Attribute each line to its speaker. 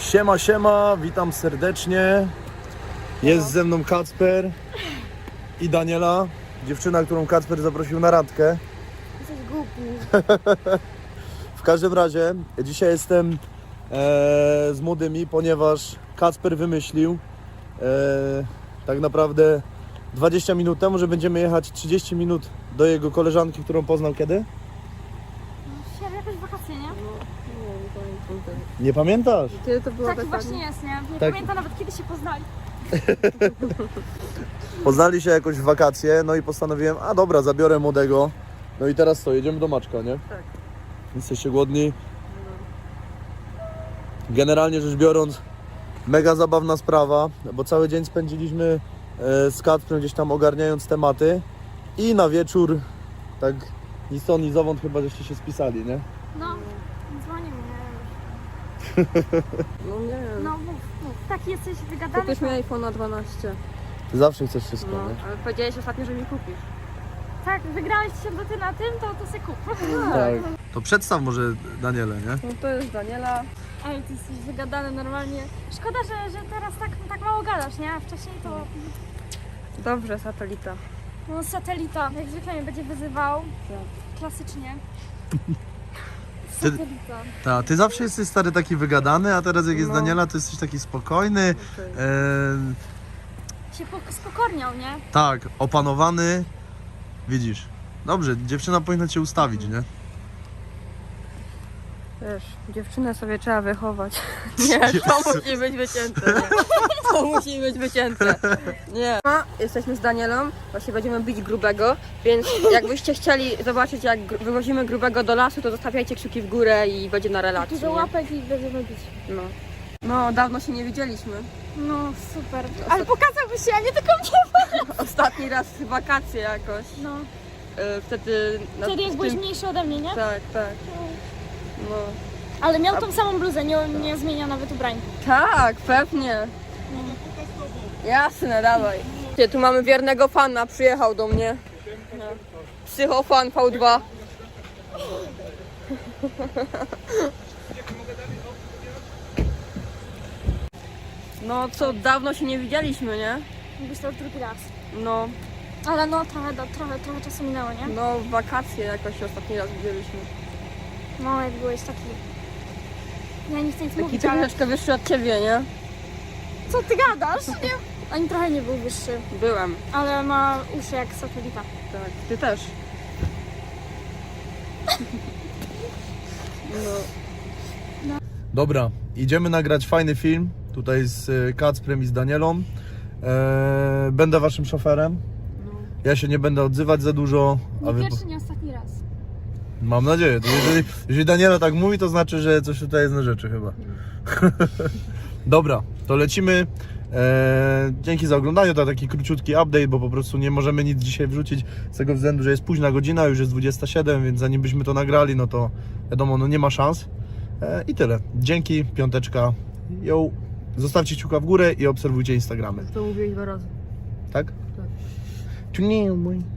Speaker 1: Siema, siema, witam serdecznie. Jest ze mną Kacper i Daniela, dziewczyna, którą Kacper zaprosił na randkę.
Speaker 2: Jesteś głupi.
Speaker 1: W każdym razie dzisiaj jestem z młodymi, ponieważ Kacper wymyślił tak naprawdę 20 minut temu, że będziemy jechać 30 minut do jego koleżanki, którą poznał kiedy?
Speaker 2: No, jakoś wakacje, nie?
Speaker 3: Nie pamiętam.
Speaker 1: Nie pamiętasz?
Speaker 3: Kiedy to było
Speaker 2: Tak
Speaker 3: dokładnie?
Speaker 2: właśnie jest, nie? Nie
Speaker 1: Tak.
Speaker 2: pamiętam nawet kiedy się poznali.
Speaker 1: Poznali się jakoś w wakacje, no i postanowiłem, a dobra, zabiorę młodego. No i teraz co, jedziemy do Maczka, nie?
Speaker 3: Tak.
Speaker 1: Jesteście głodni? Generalnie rzecz biorąc, mega zabawna sprawa, bo cały dzień spędziliśmy z Kacprem gdzieś tam ogarniając tematy i na wieczór, tak ni stąd, ni zowąd chyba żeście się spisali, nie?
Speaker 2: No, dzwonił mnie.
Speaker 3: No nie wiem.
Speaker 2: No mów. Taki jesteś wygadany.
Speaker 3: Kupisz mi iPhone'a 12.
Speaker 1: Ty zawsze chcesz wszystko,
Speaker 3: No,
Speaker 1: nie?
Speaker 3: ale powiedziałeś ostatnio, że mi kupisz.
Speaker 2: Tak, wygrałeś się do ty na tym, to se kup.
Speaker 1: Tak. To przedstaw może Danielę, nie?
Speaker 3: No to jest Daniela.
Speaker 2: Ej, ty jesteś wygadany normalnie. Szkoda, że teraz tak mało gadasz, nie? A wcześniej to
Speaker 3: Dobrze, satelita.
Speaker 2: no, satelita, jak zwykle mnie będzie wyzywał.
Speaker 3: Tak.
Speaker 2: Klasycznie.
Speaker 1: Ty-
Speaker 2: Satelita.
Speaker 1: Ty zawsze jesteś stary taki wygadany, a teraz jak jest
Speaker 3: No.
Speaker 1: Daniela, to jesteś taki spokojny,
Speaker 3: Okej.
Speaker 2: Się spokorniał, nie?
Speaker 1: tak, opanowany. Widzisz, dobrze, dziewczyna powinna cię ustawić, nie?
Speaker 3: Wiesz, dziewczynę sobie trzeba wychować. Nie, to musi być wycięte. Nie. To musi być wycięte. Nie. Jesteśmy z Danielą, właśnie będziemy bić grubego, więc jakbyście chcieli zobaczyć, jak wywozimy grubego do lasu, to zostawiajcie kciuki w górę i będzie na relację.
Speaker 2: Dużo
Speaker 3: nie?
Speaker 2: łapek i będziemy bić.
Speaker 3: No. No, dawno się nie widzieliśmy.
Speaker 2: No, super. Ale pokazałby się, a nie tylko mnie.
Speaker 3: Ostatni raz w wakacje jakoś.
Speaker 2: No.
Speaker 3: Wtedy...
Speaker 2: Wtedy jak byłeś mniejszy ode mnie, nie?
Speaker 3: Tak, tak. No.
Speaker 2: Ale miał tą samą bluzę, nie zmienia nawet ubrań.
Speaker 3: Tak, pewnie. Jasne, dawaj. Tu mamy wiernego fana, przyjechał do mnie. No. Psychofan V2. No co, dawno się nie widzieliśmy, nie?
Speaker 2: Byś to już drugi raz.
Speaker 3: No,
Speaker 2: Ale no, trochę czasu minęło, nie?
Speaker 3: no w wakacje jakoś się ostatni raz widzieliśmy.
Speaker 2: No, jak byłeś taki... Ja nie chcę nic
Speaker 3: Taki
Speaker 2: mówić, ale...
Speaker 3: troszeczkę wyższy od ciebie, nie?
Speaker 2: Co ty gadasz? Nie. Ani trochę nie był wyższy,
Speaker 3: Byłem.
Speaker 2: ale ma uszy jak satelita.
Speaker 3: Tak, ty też. No.
Speaker 1: Dobra, idziemy nagrać fajny film, tutaj z Kacprem i z Danielą. Będę waszym szoferem. Ja się nie będę odzywać za dużo.
Speaker 2: Nie pierwszy, nie ostatni raz.
Speaker 1: Mam nadzieję. To jeżeli Daniela tak mówi, to znaczy, że coś tutaj jest na rzeczy chyba. Dobra, to lecimy. Dzięki za oglądanie. To taki króciutki update, bo po prostu nie możemy nic dzisiaj wrzucić z tego względu, że jest późna godzina, już jest 27, więc zanim byśmy to nagrali, no to wiadomo, no nie ma szans. I tyle. Dzięki, piąteczka. Yo. Zostawcie kciuka w górę i obserwujcie Instagramy.
Speaker 3: To mówiłeś 2 razy.
Speaker 1: Tak?
Speaker 3: Tak.
Speaker 1: Tu nie mój.